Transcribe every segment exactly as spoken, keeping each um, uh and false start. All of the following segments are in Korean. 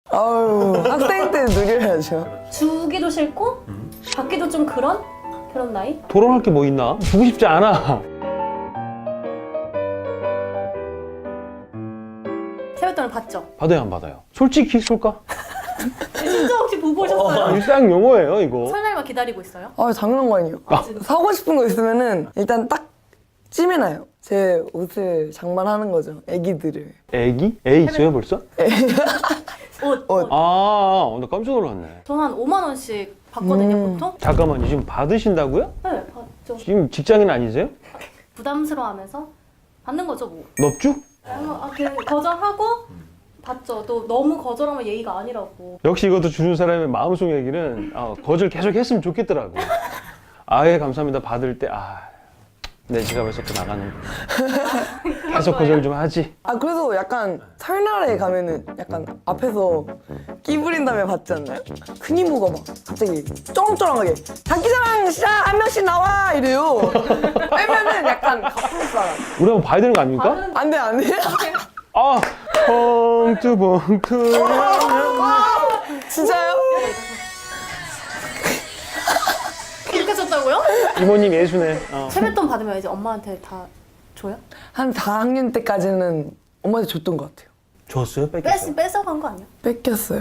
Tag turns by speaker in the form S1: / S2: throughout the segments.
S1: 아유, 학생 때 누려야죠.
S2: 주기도 싫고 받기도 좀 그런 그런 나이?
S3: 토론할 게 뭐 있나? 주고 싶지 않아.
S2: 세뱃돈을 받죠?
S3: 받아요, 안 받아요? 솔직히 쏠까?
S2: 진짜 혹시 보고 오셨어요?
S3: 일상 용어예요, 이거.
S2: 설날만 기다리고 있어요?
S1: 아, 당연한 거 아니에요. 사고 싶은 거 있으면은 일단 딱 찜해놔요. 제 옷을 장만하는 거죠. 애기들을.
S3: 애기? 애 있어요, 벌써?
S2: 옷.
S1: 옷.
S3: 아, 나 깜짝 놀랐네.
S2: 저는 한 오만 원씩 받거든요,
S1: 음.
S2: 보통?
S3: 잠깐만요, 지금 받으신다고요?
S2: 네, 받죠.
S3: 지금 직장인 아니세요?
S2: 부담스러워하면서 받는 거죠, 뭐.
S3: 넙죽?
S2: 아, 그 거절하고 받죠. 또 너무 거절하면 예의가 아니라고.
S3: 역시 이것도 주는 사람의 마음속 얘기는 어, 거절 계속 했으면 좋겠더라고. 아예 감사합니다 받을 때 아, 내 지갑에서 또 나가는 계속 거절 좀 하지.
S1: 아, 그래서 약간 설날에 가면은 약간 앞에서 끼 부린 다음에 받지 않나요? 큰 이모가 막 갑자기 쩌렁쩌렁하게 장기자랑 시작! 한 명씩 나와! 이래요. 빼면은 약간 갚을 사람.
S3: 우리 한번 봐야 되는 거 아닙니까?
S2: 받은
S1: 안 돼, 안 돼.
S3: 아, 봉투 봉투.
S1: 진짜요?
S2: 그렇게 줬다고요?
S3: 이모님 예수네. 어.
S2: 세뱃돈 받으면 이제 엄마한테 다 줘요?
S1: 한 사 학년 때까지는 엄마한테 줬던 것 같아요.
S3: 줬어요?
S2: 뺏,
S3: 뺏겼어요?
S2: 뺏어간 거 아니야?
S1: 뺏겼어요.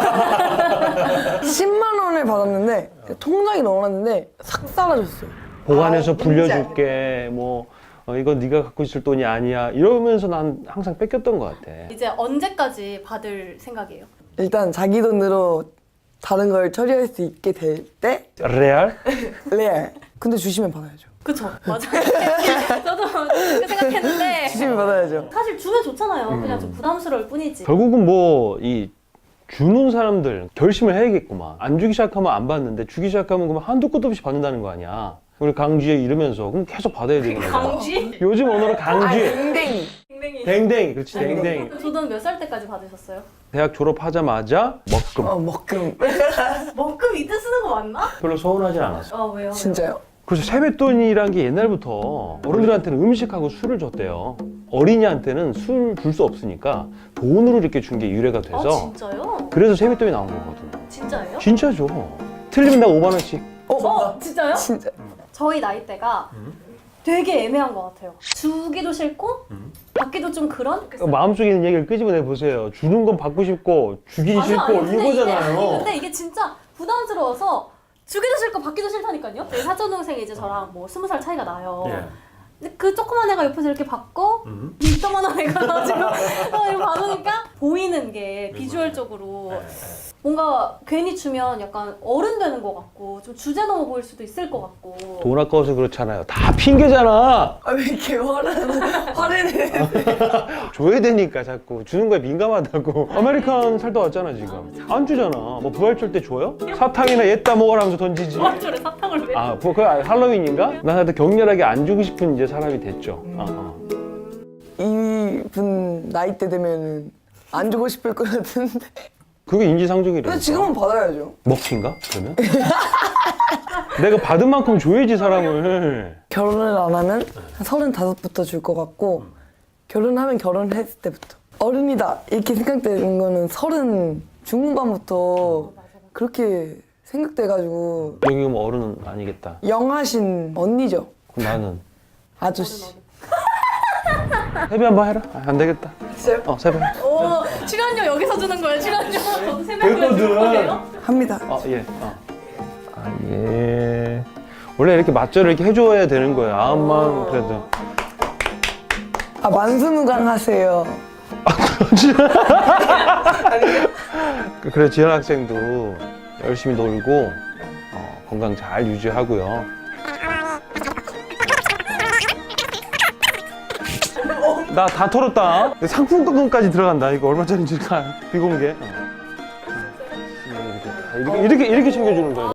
S1: 십만 원을 받았는데 통장에 넣어놨는데 싹 사라졌어요.
S3: 보관해서
S1: 아,
S3: 불려줄게. 뭐 어, 이건 네가 갖고 있을 돈이 아니야. 이러면서 난 항상 뺏겼던 것 같아.
S2: 이제 언제까지 받을 생각이에요?
S1: 일단 자기 돈으로 다른 걸 처리할 수 있게 될 때
S3: 레알?
S1: 레알. 근데 주시면 받아야죠.
S2: 그쵸, 맞아요. 저도 그렇게 생각했는데
S1: 주시면 받아야죠.
S2: 사실 주면 좋잖아요. 그냥 좀 부담스러울 뿐이지.
S3: 결국은 뭐 이 주는 사람들 결심을 해야겠구만. 안 주기 시작하면 안 받는데 주기 시작하면 그럼 한도 끝도 없이 받는다는 거 아니야. 우리 강쥐에 이러면서 그럼 계속 받아야 되는 거야.
S2: 강쥐?
S3: 요즘 언어로 강쥐.
S1: 댕댕이.
S2: 댕댕이.
S3: 댕댕이. 그렇지 댕댕이.
S2: 저돈 몇 살 때까지 받으셨어요?
S3: 대학 졸업하자마자 먹금.
S1: 어, 먹금.
S2: 먹금 이때 쓰는 거 맞나?
S3: 별로 서운하진 않았어.
S2: 아 왜요?
S1: 진짜요?
S3: 그래서 세뱃돈이란 게 옛날부터 어른들한테는 음식하고 술을 줬대요. 어린이한테는 술 줄 수 없으니까 돈으로 이렇게 준 게 유래가
S2: 아
S3: 돼서
S2: 진짜요?
S3: 그래서 세뱃돈이 나온 거거든요.
S2: 진짜예요?
S3: 진짜죠. 틀리면 나 오만 원씩.
S1: 어,
S2: 어 진짜요?
S1: 진짜.
S2: 저희 나이대가 되게 애매한 것 같아요. 주기도 싫고 받기도 좀 그런?
S3: 마음속에 있는 얘기를 끄집어내 보세요. 주는 건 받고 싶고 주기
S2: 아니,
S3: 싫고
S2: 아니, 근데 이게-
S3: 이거잖아요.
S2: 아니, 근데 이게 진짜 부담스러워서 주기도 싫고 받기도 싫다니까요. 제 사촌 동생이 이제 저랑 뭐 스무 살 차이가 나요.
S3: 예.
S2: 근데 그 조그만 애가 옆에서 이렇게 받고 이따만한 애가 가지고 어, 이거 받으니까 보이는 게 비주얼적으로 뭔가 괜히 주면 약간 어른 되는 것 같고 좀 주제 넘어 보일 수도 있을 것 같고.
S3: 돈 아까워서 그렇잖아요. 다 핑계잖아.
S1: 아, 왜 이렇게 화를, 화를 내?
S3: 줘야 되니까 자꾸 주는 거에 민감하다고. 아메리칸 살다 왔잖아 지금. 안 주잖아. 뭐 부활절 때 줘요? 사탕이나 옛다 먹어라 하면서 던지지.
S2: 부활절에 사탕을 왜?
S3: 아, 그 할로윈인가? 난 하여튼 격렬하게 안 주고 싶은 이제 사람이 됐죠. 어, 어.
S1: 이분 나이 때 되면은 안 주고 싶을 것 같은데.
S3: 그게 인지상정이래.
S1: 근데 지금은 받아야죠.
S3: 먹튀인가? 그러면? 내가 받은 만큼 줘야지 사람을.
S1: 결혼을 안 하면 한 서른다섯부터 줄 것 같고 결혼하면 결혼했을 때부터 어른이다 이렇게 생각되는 거는 서른 중후반부터 그렇게 생각돼가지고
S3: 여기 뭐 어른은 아니겠다.
S1: 영하신 언니죠.
S3: 그럼 나는
S1: 아저씨.
S3: 세배 한번 해라. 아, 안 되겠다.
S1: 진짜요?
S3: 어, 세배.
S2: 오 출연료 여기서 주는 거예요 출연료. 저도 세명을
S3: 됐거든.
S2: 주는 거예요?
S1: 합니다.
S3: 어, 예. 어. 아, 예. 원래 이렇게 맞절을 이렇게 해줘야 되는 거예요. 아음만 그래도.
S1: 아, 만수무강하세요.
S3: 그래, 지현 학생도 열심히 놀고 어, 건강 잘 유지하고요. 나 다 털었다. 상품권까지 들어간다. 이거 얼마짜리인지 비공개. 어. 이렇게, 이렇게, 이렇게, 이렇게 챙겨주는 거야.